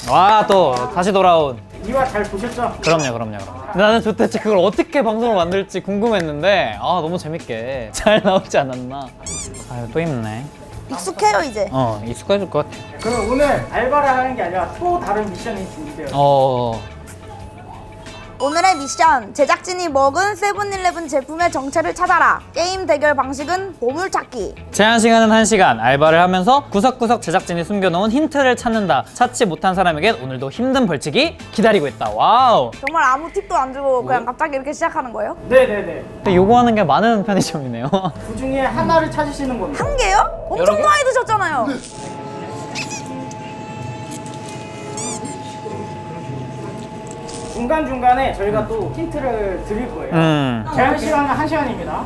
와, 또 다시 돌아온. 이화 잘 보셨죠? 그럼요. 나는 도대체 그걸 어떻게 방송을 만들지 궁금했는데 너무 재밌게 잘 나오지 않았나. 아유, 또 힘내. 익숙해요 이제. 익숙해질 것 같아. 그럼 오늘 알바를 하는 게 아니라 또 다른 미션이 준비되어 오늘의 미션, 제작진이 먹은 세븐일레븐 제품의 정체를 찾아라. 게임 대결 방식은 보물찾기. 제한 시간은 1시간. 알바를 하면서 구석구석 제작진이 숨겨놓은 힌트를 찾는다. 찾지 못한 사람에겐 오늘도 힘든 벌칙이 기다리고 있다. 와우. 정말 아무 팁도 안 주고 그냥 갑자기 이렇게 시작하는 거예요? 네네네. 근데 요구하는 게 많은 편의점이네요. 그 중에 하나를 찾으시는 겁니다. 한 개요? 엄청 여러 개? 많이 드셨잖아요. 중간중간에 저희가 또 힌트를 드릴 거예요. 제한 시간은 1시간입니다.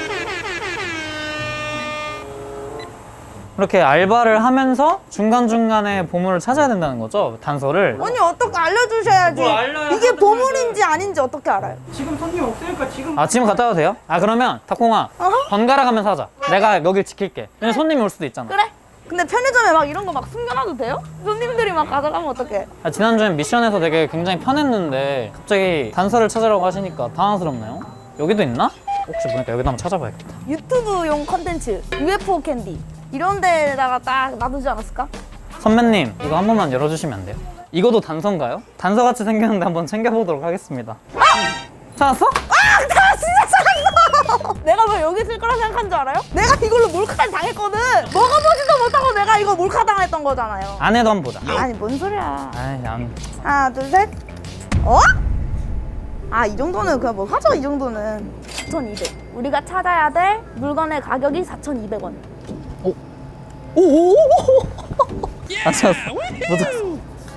이렇게 알바를 하면서 중간중간에 보물을 찾아야 된다는 거죠? 단서를. 언니 어떻게 알려주셔야지. 뭘 알려야 이게 하는 보물인지 아닌지 어떻게 알아요? 지금 손님 없으니까 지금 지금 갔다 와도 돼요? 그러면 탁콩아 번갈아 가면서 하자. 내가 여길 지킬게. 왜냐면 손님이 올 수도 있잖아. 그래? 근데 편의점에 막 이런 거 막 숨겨놔도 돼요? 손님들이 막 가져가면 어떡해? 지난주엔 미션에서 되게 굉장히 편했는데 갑자기 단서를 찾으라고 하시니까 당황스럽네요. 여기도 있나? 혹시 보니까 여기도 한번 찾아봐야겠다. 유튜브용 컨텐츠, UFO 캔디 이런 데다가 딱 놔두지 않았을까? 선배님 이거 한 번만 열어주시면 안 돼요? 이거도 단서인가요? 단서같이 생겼는데 한번 챙겨보도록 하겠습니다. 찾았어? 나 진짜 찾았어! 내가 왜 여기 있을 거라 생각한 줄 알아요? 내가 이걸로 몰카를 당했거든. 먹어보지도 못하고 내가 이거 몰카 당했던 거잖아요. 안에도 한번 보자. 아니 뭔 소리야. 아이, 하나 둘 셋. 어? 이 정도는 그냥 뭐 하죠. 이 정도는 4,200. 우리가 찾아야 될 물건의 가격이 4,200원. 오오오오! 안 찾았어. 못 찾았어.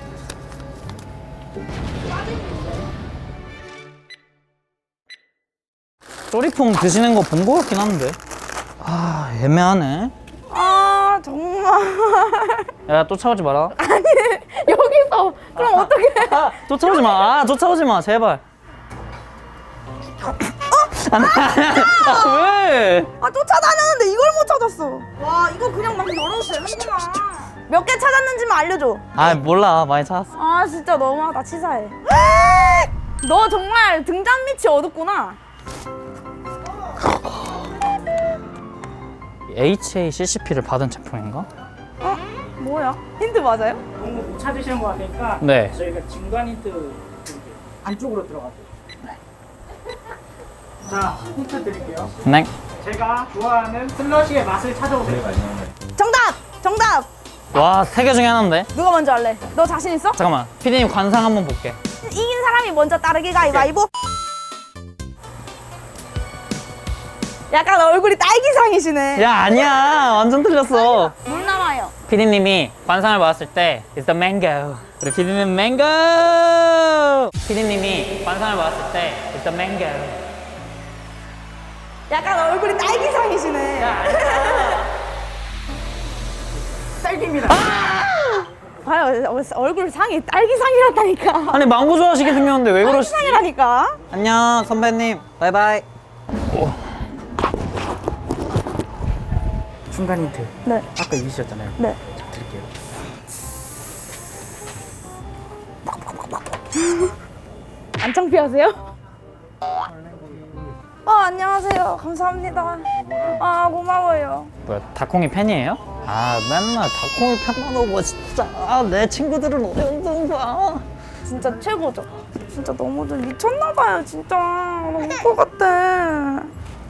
쪼리퐁 드시는 거 본 거 같긴 한데. 애매하네. 정말. 야, 쫓아오지 마라. 아니 여기서 그럼 어떻게? 쫓아오지 마. 쫓아오지 마, 제발. 왜? 쫓아다녔는데 이걸 못 찾았어. 와 이거 그냥 막 열어도 되는구나. 몇 개 찾았는지만 알려줘. 몰라. 많이 찾았어. 진짜 너무하다. 치사해. 너 정말 등잔 밑이 어둡구나. HACCP를 받은 제품인가? 뭐야? 힌트 맞아요? 너무 못 찾으시는 것 같으니까 네. 저희가 중간 힌트 드릴게요. 안쪽으로 들어가세요. 자, 힌트 드릴게요. 네. 제가 좋아하는 슬러시의 맛을 찾아오세요. 정답. 와, 3개 중에 하나인데. 누가 먼저 할래? 너 자신 있어? 잠깐만. 피디님 관상 한번 볼게. 이긴 사람이 먼저 따르기 가위바위보. 약간 얼굴이 딸기상이시네. 야, 아니야. 완전 틀렸어. 물 남아요. 피디님이 관상을 봤을 때 It's the mango. 우리 피디님 mango. 피디님이 관상을 봤을 때 It's the mango. 약간 얼굴이 딸기상이시네. 딸기입니다. 얼굴 상이 딸기상이란다니까. 아니, 망고 좋아하시게 생겼는데 왜 그러시지? 딸기상이라니까. 안녕, 선배님. 바이바이. 중간 힌트. 네. 아까 이기셨잖아요. 네. 자, 드릴게요. 안 창피하세요? 안녕하세요. 감사합니다. 고마워요. 뭐야, 닭콩이 팬이에요? 맨날 닭콩이 팬만 오고 진짜. 내 친구들은 어려운 봐. 진짜 최고죠. 진짜 너무 좀 미쳤나봐요. 진짜 너무 울 것 같아.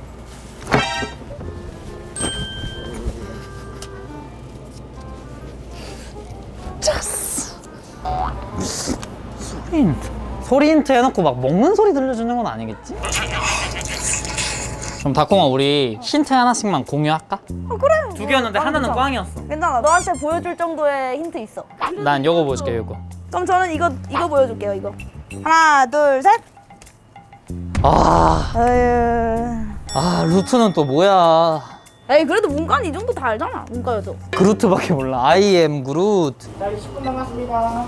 소리 힌트 해놓고 막 먹는 소리 들려주는 건 아니겠지? 그럼 닭콩아, 우리 힌트 하나씩만 공유할까? 그래. 2개였는데 하나는 꽝이었어. 괜찮아. 너한테 보여줄 정도의 힌트 있어. 난 요거 보여줄게, 요거. 그럼 저는 이거 보여줄게요. 이거. 하나, 둘, 셋. 루트는 또 뭐야? 에이 그래도 문과는 이 정도 다 알잖아. 문과여도. 그루트밖에 몰라. I am 그루트. 자, 10분 남았습니다.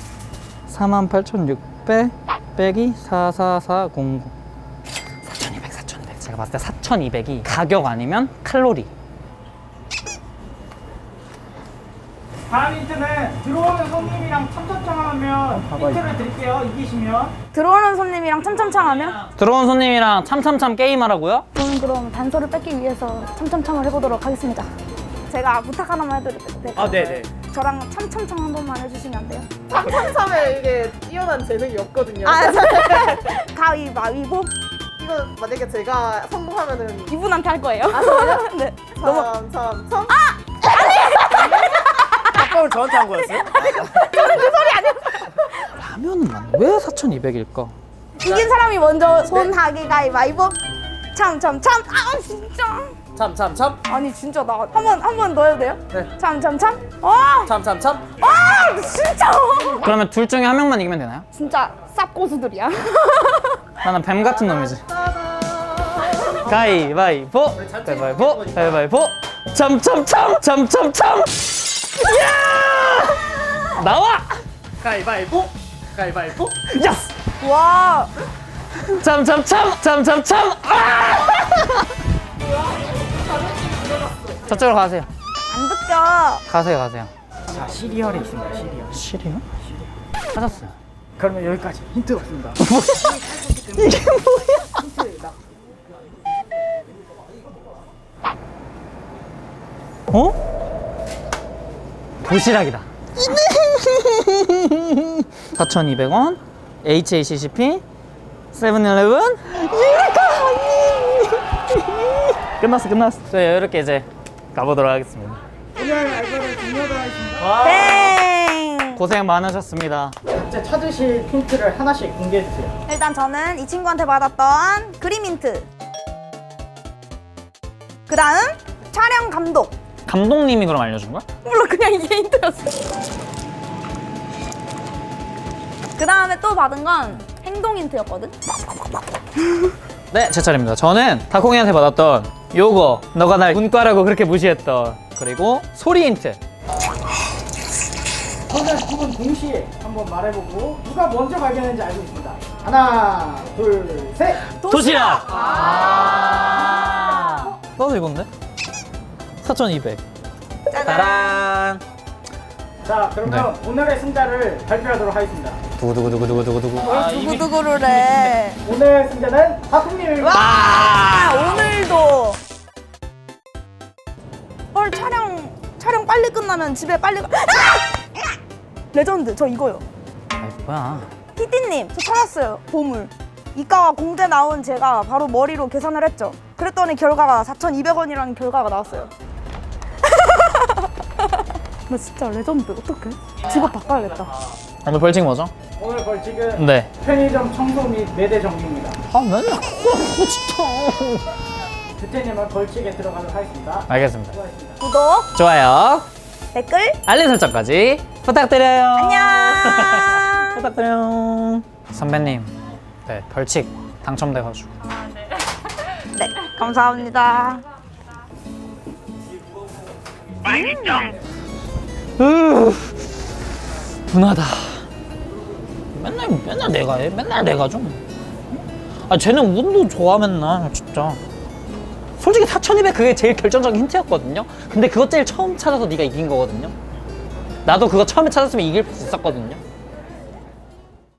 48,600 빼기 44400. 4,200. 제가 봤을 때 4,200이 가격 아니면 칼로리. 다음 힌트는 들어오는 손님이랑 참참참하면 힌트를 드릴게요. 이기시면. 들어오는 손님이랑 참참참하면? 들어온 손님이랑 참참참 게임하라고요? 저는 그럼 단서를 뺏기 위해서 참참참을 해보도록 하겠습니다. 제가 부탁 하나만 해드릴게요. 아, 네네. 저랑 참참참 한 번만 해주시면 안 돼요? 참참참에 이게 뛰어난 재능이 없거든요. 아, 가위바위보 이거 만약에 제가 성공하면은 이분한테 할 거예요. 네. 참참참. 아까운 저한테 한 거였어요? 라면은 맞네. 왜 4,200일까? 이긴 사람이 먼저 손 하기 가위바위보. 참참참. 아 진짜. 참참참 아니 진짜 나 한 번 더 해도 돼요? 네. 참참참. 참참참 진짜. 그러면 둘 중에 한 명만 이기면 되나요? 진짜 쌉 고수들이야. 나는 뱀 같은 놈이지. 가위바위보, 가위바위보, 가위바위보. 참참참, 참참참. 야! 나와! 가위바위보. 가위바위보. 야스! 와. 참참참, 참참참. 아! 저쪽으로 가세요. 안 듣겨. 가세요. 자, 시리얼이 있습니다. 시리얼. 시리요? 찾았어요. 그러면 여기까지. 힌트 없습니다. 이게 뭐야? 힌트 어? 도시락이다. 4,200원. HACCP. 세븐일레븐. 끝났어. 저희 이렇게 이제 가보도록 하겠습니다. 오늘 알바를 종료가 하겠습니다. 땡. 고생 많으셨습니다. 각자 찾으실 힌트를 하나씩 공개해주세요. 일단 저는 이 친구한테 받았던 그림 힌트. 그 다음 촬영 감독. 감독님이 그럼 알려준 거야? 몰라 그냥 이게 힌트였어. 그 다음에 또 받은 건 행동 힌트였거든. 네, 제 차례입니다. 저는 다콩이한테 받았던 요거, 너가 날 문과라고 그렇게 무시했던, 그리고 소리 힌트. 저는 두 분 동시에 한번 말해보고 누가 먼저 발견했는지 알고 있습니다. 하나, 둘, 셋. 도시락! 나도 이건데? 4,200. 짜란! 자, 그러면 오늘의 승자를 발표하도록 하겠습니다. 두구두구두구두구두구. 두구두구를 해. 오늘 승자는 하품님입니다. 아, 오늘도. 헐 촬영 빨리 끝나면 집에 빨리 가. 레전드 저 이거요. 아이, 뭐야. PD님 저 찾았어요. 보물. 이과와 공대 나온 제가 바로 머리로 계산을 했죠. 그랬더니 결과가 4,200원이라는 결과가 나왔어요. 나 진짜 레전드. 어떡해? 직업 바꿔야겠다. 오늘 벌칙 뭐죠? 오늘 벌칙은 네. 편의점 청소 및 매대 정리입니다. 아, 맨날 그거 진짜. 주태님은 벌칙에 들어가도록 하겠습니다. 알겠습니다. 수고하셨습니다. 구독, 좋아요. 댓글, 알림 설정까지 부탁드려요. 안녕. 부탁드려요. 선배님, 네, 벌칙 당첨돼가지고. 네, 감사합니다. 분하다. 맨날 내가 해. 맨날 내가 좀. 아, 쟤는 운도 좋아 맨날 진짜. 솔직히 4,200 그게 제일 결정적인 힌트였거든요. 근데 그거 제일 처음 찾아서 네가 이긴 거거든요. 나도 그거 처음에 찾았으면 이길 수 있었거든요.